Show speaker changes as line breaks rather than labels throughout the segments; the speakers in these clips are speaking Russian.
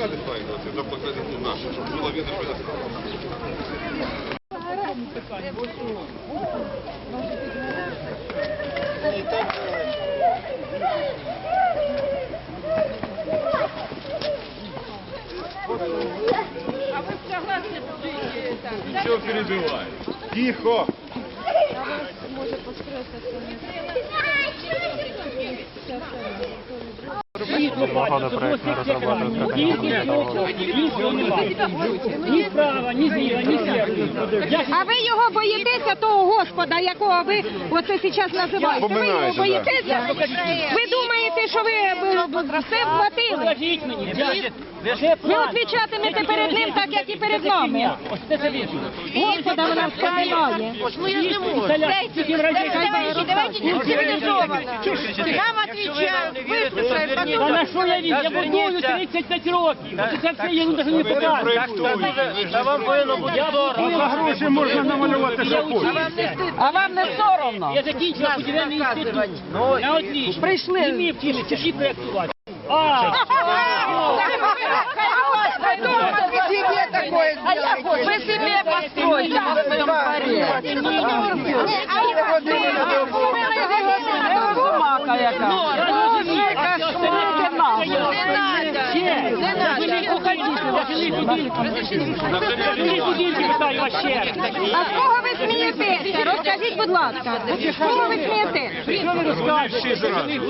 фасади ставити, за покладені наші, щоб було видно, що це.
А вы согласны жить там?
Ничего перебивай. Тихо!
Ні справа, ні зліва, ні сверху.
А ви його боїтеся, того Господа, якого ви оце зараз називаєте? Ви його боїтеся? Ви думаєте, що ви все вхватили?
Покажіть мені.
Ви відвічатимете перед ним так, як і перед нами.
Ось це вірно.
Господа вона вспоминає.
Ну я ж не можу. Давайте не цивилизованно. Нам отвечают, выслушают,
Та
потом...
на що я він? Я будую 35 років. Це все я навіть не показую.
Та вам повинно бути соромно.
За гроші можна намалювати, що
хочете.
А вам не соромно?
Я закінчила будівельний інститут. На отлично.
Прийшли.
Не вмів вчитися, всі проєктувати.
Вы себе постройте на своем дворе. Розумака яка. А з кого ви смієтеся? Розкажіть, будь ласка. З кого ви смієтеся?
Що ви розказуєте?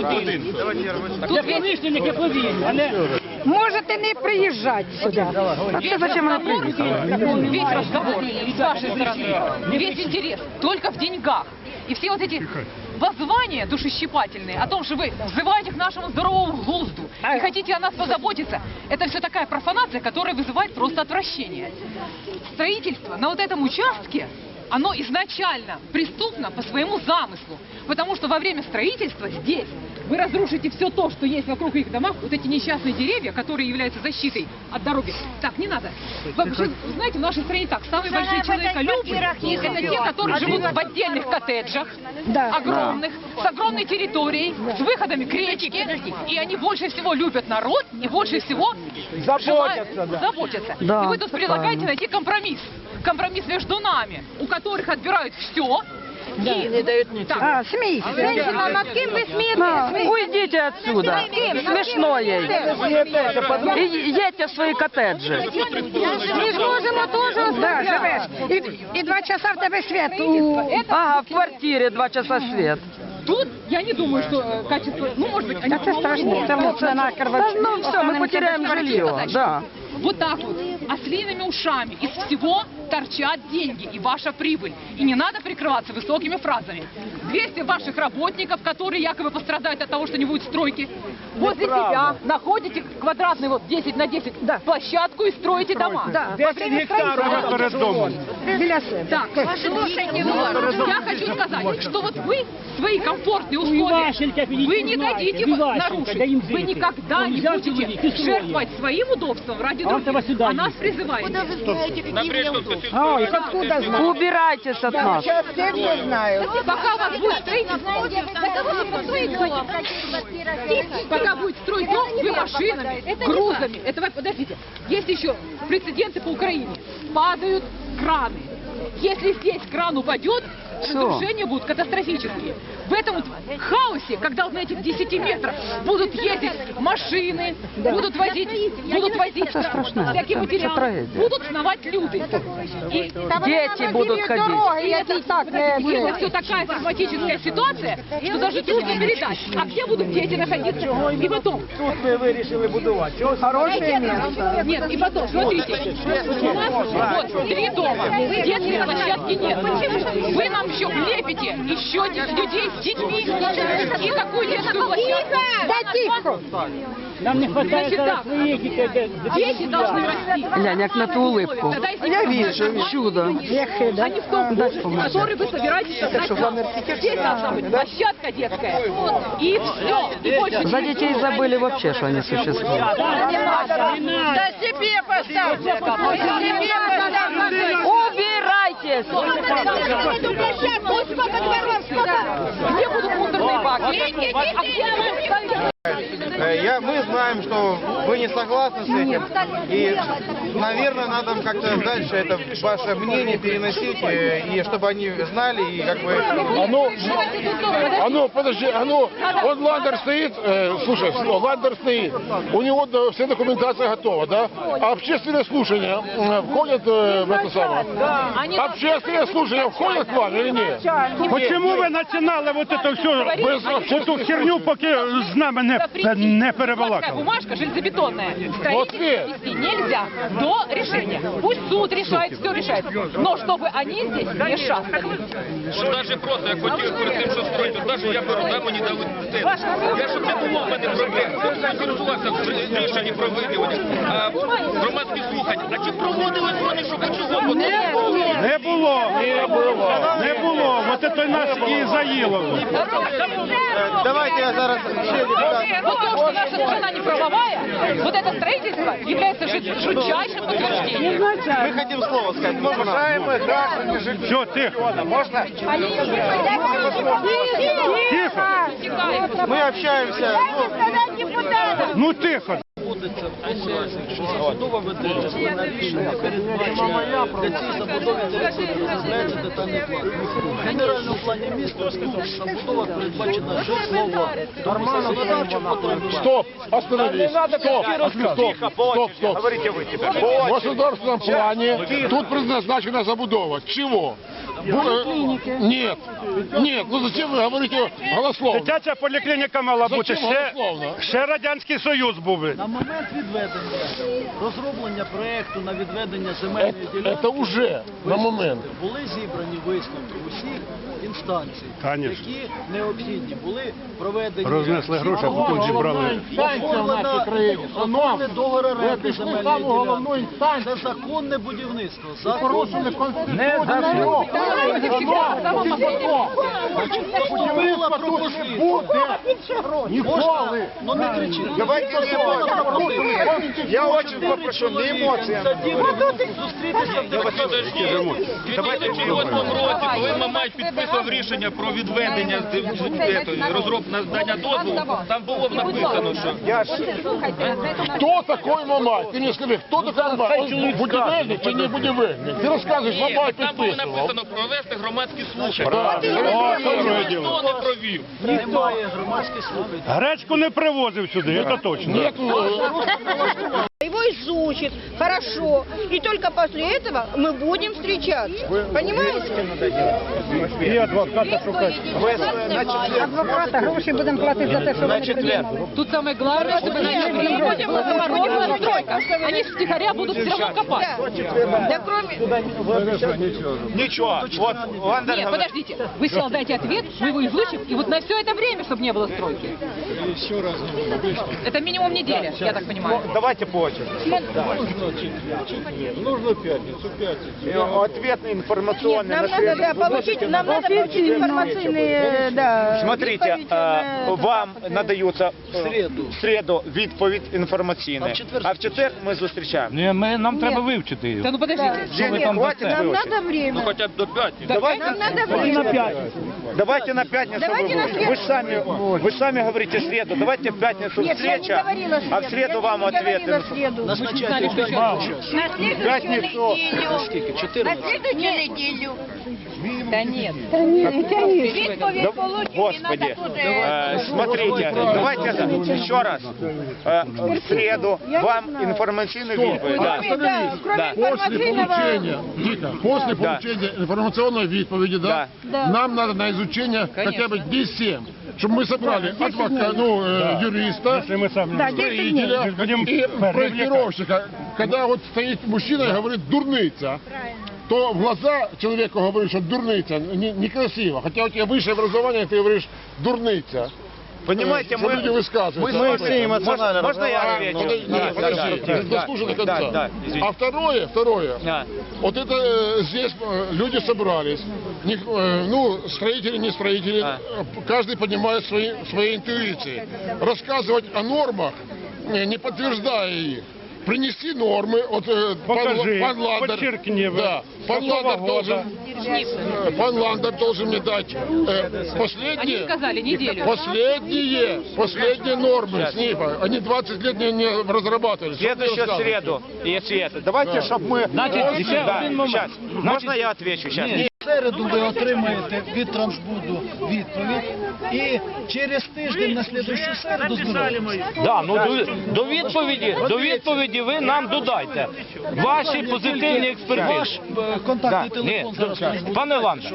Для промишленників повинні, а не...
Можете не приїжджати сюди. А це зачем вона приїхала?
Весь разговор с вашей стороны, весь интерес только в деньгах. И все вот эти воззвания душещипательные о том, что вы взываете к нашему здоровому глузду и хотите о нас позаботиться, это все такая профанация, которая вызывает просто отвращение. Строительство на вот этом участке, оно изначально преступно по своему замыслу, потому что во время строительства здесь вы разрушите все то, что есть вокруг их домов, вот эти несчастные деревья, которые являются защитой от дороги. Так, не надо. Вы знаете, в нашей стране так, самые большие человеколюбы, это те, которые живут в отдельных коттеджах, огромных, с огромной территорией, с выходами к речке, и они больше всего любят народ и больше всего заботятся. И вы тут предлагаете найти компромисс. Компромисс между нами, у которых отбирают все, и не дают ничего.
А, смейся. Женщина, над кем вы смеетесь?
Уйдите отсюда. Смешно ей. И едьте в свои коттеджи.
Ми ж можемо теж живеш. І 2 часа в тебе світ.
Ага, в квартире 2 часа свет.
Тут я не думаю, что качество, ну, может быть, они...
Це страшно. Це лучше на
Ну все, мы потеряем жилье. Да.
Вот так вот, ослиными ушами из всего торчат деньги и ваша прибыль. И не надо прикрываться высокими фразами. 200 ваших работников, которые якобы пострадают от того, что не будет стройки, возле себя находите квадратный вот 10 на 10 площадку и строите дома.
Да.
10 гектарів перед домом.
Біля себе.
Так, я хочу сказать, что вот вы свои комфортные условия, вы не дадите нарушить. Вы никогда не будете жертвовать своим удобством ради других. А нас призываете.
Убирайтесь от нас.
Пока у вас будет строительство, пока будет строить дом, вы машинами, грузами. Это, подождите, есть еще прецеденты по Украине. Падают краны. Если здесь кран упадет, разрушения будут катастрофические. В этом вот хаосе, когда вот на этих 10 метрах будут ездить машины, будут возить всякие материалы, будут сновать люди. И
Дети будут ходить.
это все такая травматическая ситуация, что даже трудно передать. А где будут дети находиться? И потом...
Тут ми вирішили будувати.
Хорошее место.
Нет, и потом, смотрите, у нас вот 3 дома, детской площадки нет. Вы нам еще лепите еще людей с детьми и какую детскую площадку?
Да тихо.
Нам не хватает
Значит так,
своих детей.
дети должны расти.
Глянь, как на ту улыбку.
Тогда если
Я
вы
вижу.
нормально,
Чудо.
а не в том доме, который вы собираетесь создать нам. Здесь должна быть площадка детская. И все. И больше
За детей забыли вообще, что они существуют.
Да себе поставьте! Себе поставьте!
Убирайтесь!
Где будут мусорные баки? А где мы
Мы знаем, что вы не согласны с этим, и, наверное, надо как-то дальше это ваше мнение переносить, и чтобы они знали, и как бы...
Подожди, вот Ландер стоит, слушай, Ландер стоит, у него вся документация готова, да? А общественные слушания входят в это самое? Общественные слушания входят к вам или нет?
Почему ви починали вот это все, эту херню, поки з нами не
Такая
перебалакали?
бумажка железобетонная.
Вот
Строителям вести нельзя до решения. Пусть суд решает, все решает. Но чтобы они здесь не шастали.
Навіть просто, як хотів перед тим, що строїти, навіть я беру, мені дали це. Я щоб не було в мене проблем. Консультувався в рішенні про виділення, громадські слухання. А чи проводили вони, що чого?
Не було. Вот это нас і заїло.
Давайте я зараз ще
Вот то, что наша страна не правовая, вот это строительство является жутчайшим подтверждением.
Мы хотим слово сказать. Уважаемые граждане,
Все, тихо.
можно?
Тихо.
Мы общаемся.
Ну тихо.
Якщо забудова ведеться на рішення передбачення, для цієї забудови розробляється детальний план. В генеральному плані міста тут забудова передбачена житлова.
Стоп, остановись, стоп.
Говорите вы теперь.
В государственном плане тут предназначена забудова. Чего? Нет, ну зачем вы говорите голословно?
Дитяча поліклініка мала бути.
Зачем голословно?
Ще Радянський Союз був.
На момент відведення, розроблення проєкту на відведення земельної ділянки
Это уже на момент.
були зібрані висновки усіх інстанцій,
Конечно.
які необхідні були проведені.
Рознесли гроші, а потім зібрали.
Оформлений договір оренди земельної ділянки. Це законне будівництво. Була пропозиція. Можна? Ну не кричіть.
Давайте не эмоции. Я очень попрошу, не эмоции.
Зустрітися в
Подожди, в 2008 році, коли Мамай підписував рішення про відведення надання дозволу, там було написано, що...
Кто такой Мамай? Ты мне скажи, кто такой Мамай? Он будівельник чи не будівельник? Ты рассказываешь, Мамай
Там було
підписував.
написано провести громадські слухання. Ніхто не провів.
Немає громадських слухань.
Гречку не привозив сюди, це точно.
Его изучит хорошо, и только после этого мы будем встречаться. Понимаете?
І адвоката шукати.
Адвоката гроші будемо платити за те, що вони придумали.
Тут самое главное, чтобы они они втихаря будут все равно копать.
Да кроме...
Ничего. Вот Ландер
Нет,
говорит.
подождите. Вы сначала дайте ответ, мы его изучим, и вот на все это время, чтобы не было стройки. Это минимум неделя, я так понимаю.
Давайте по очереди.
Нужно пятницу.
Ответ информационный.
Нам надо получить информационные, да.
Смотрите,
відповідь на-
вам надаються
В
в середу відповідь інформаційна, а в четвер ми зустрічаємо.
Нам треба вивчити її.
Да ну подождите.
Денег хватить
Нам
вивчити?
надо время.
Хоча б до п'ятниці.
Нам надо время.
Давайте на пятницу.
Давайте на среду.
Вы же сами говорите среду. Давайте в пятницу
Нет, я не
встреча,
говорила
а в
среду.
среду
Я
вам
не
ответы.
говорила среду.
Назначайте
На следующую
Пятницу.
неделю.
скільки?
На
14.
следующую неделю.
Да нет.
Відповідь
Да,
получить, не
Господи,
надо уже...
смотрите, давайте еще раз. В среду вам информационную відповідь. Да.
Кроме
Да.
После получения, Вика, после получения информационной відповіді, да, нам надо на изучение хотя бы 10, чтобы мы собрали адвоката, юриста,
Если мы сами
строителя
будем
и проектировщика. Когда вот стоит мужчина и говорит «дурница», то в глаза человеку говоришь, что дурница, некрасиво. Хотя у тебя высшее образование, ты говоришь «дурница».
Понимаете,
Что люди высказываются.
мы все эмоционально. Можно я отвечу?
Нет, подожди, дослушай до конца.
Да, извините.
А второе,
Да.
вот это здесь люди собрались, строители, не строители, каждый поднимает свои интуиции. Рассказывать о нормах, не подтверждая их. Принести нормы, вот
Покажи,
пан Ландер,
подчеркни,
да, пан
какого
Ландер
года.
должен пан Ландер должен мне дать
Они сказали неделю.
последние нормы СНИПа. Они 20 лет не разрабатывали.
Следующую среду, если это. Давайте, чтобы мы... Сейчас, можно я отвечу сейчас?
В середу ви отримаєте від Трансбуду відповідь і через тиждень на слідущу середу збираємося.
Да, ну до відповіді ви нам додайте ваші позитивні експертизи.
Ваш контактний телефон зараз Трансбуду.
Пане Ландер,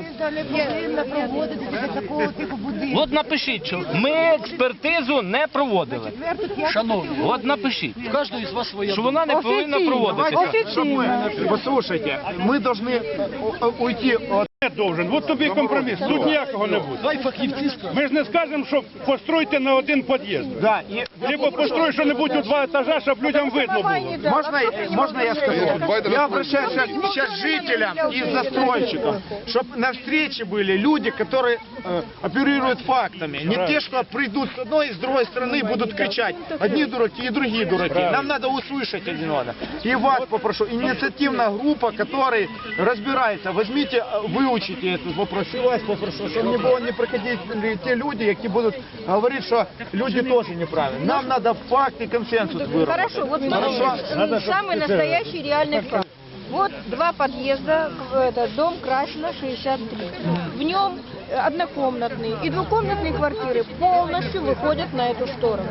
от напишіть, що ми експертизу не проводили.
Шановні,
От напишіть,
в кожного із вас своя
що вона не повинна проводитися.
Послушайте, мы должны уйти от...
Не должен. От тобі компроміс. Тут ніякого не буде.
Хай фахівці скажуть.
Ми ж не скажемо, що постройте на один під'їзд.
Да, и...
Либо построй що-небудь у 2 етажа, щоб людям видно було.
Можно я скажу? Я обращаюсь сейчас к жителям и застройщикам, чтобы на встрече были люди, которые оперируют фактами. Не те, что придут с одной и с другой стороны будут кричать. Одни дураки и другие дураки. Нам надо услышать один одного. И вас попрошу, инициативная группа, которая разбирается, возьмите, выучите этот вопрос. И вас попрошу, чтобы не проходили те люди, які будут говорить, что люди тоже неправильно. Нам надо факт и консенсус выработать.
Хорошо, вот смотрите, самый настоящий реальный факт. Вот 2 подъезда, это дом Красина, 63. В нем однокомнатные и двухкомнатные квартиры полностью выходят на эту сторону.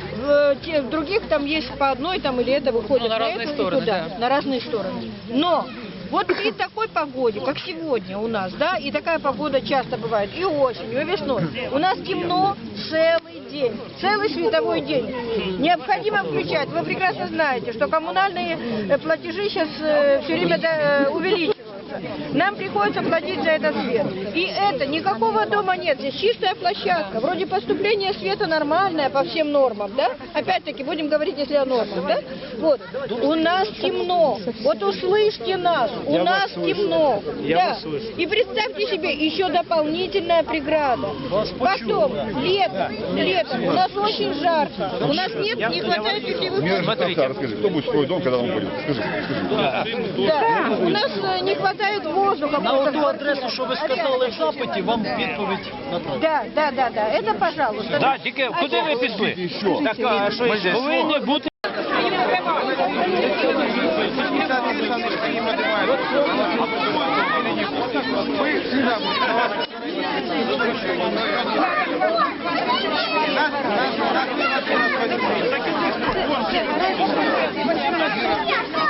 В других там есть по одной, там или это выходит на разные стороны, на разные стороны. Но вот при такой погоде, как сегодня у нас, да, и такая погода часто бывает и осенью, и весной, у нас темно целый день, целый световой день. Необходимо включать. Вы прекрасно знаете, что коммунальные платежи сейчас все время увеличиваются. Нам приходится платить за этот свет. И это, никакого дома нет. Здесь чистая площадка. Вроде поступление света нормальное по всем нормам, да? Опять-таки, будем говорить, если о нормах, да? Вот. У нас темно. Вот услышьте нас. У нас темно. Да. И представьте себе, еще дополнительная преграда. Потом, летом. У нас очень жарко. У нас нет, не хватает питьевых вод.
Расскажи, кто будет строить дом, когда он будет? Скажи.
Да, у нас не хватает воздуха.
На ту адресу, що ви сказали в запиті, вам відповідь направлять.
Да. Это пожалуйста.
Так, тільки куди ви пішли? Так, а що ще? Повинні бути...
Нас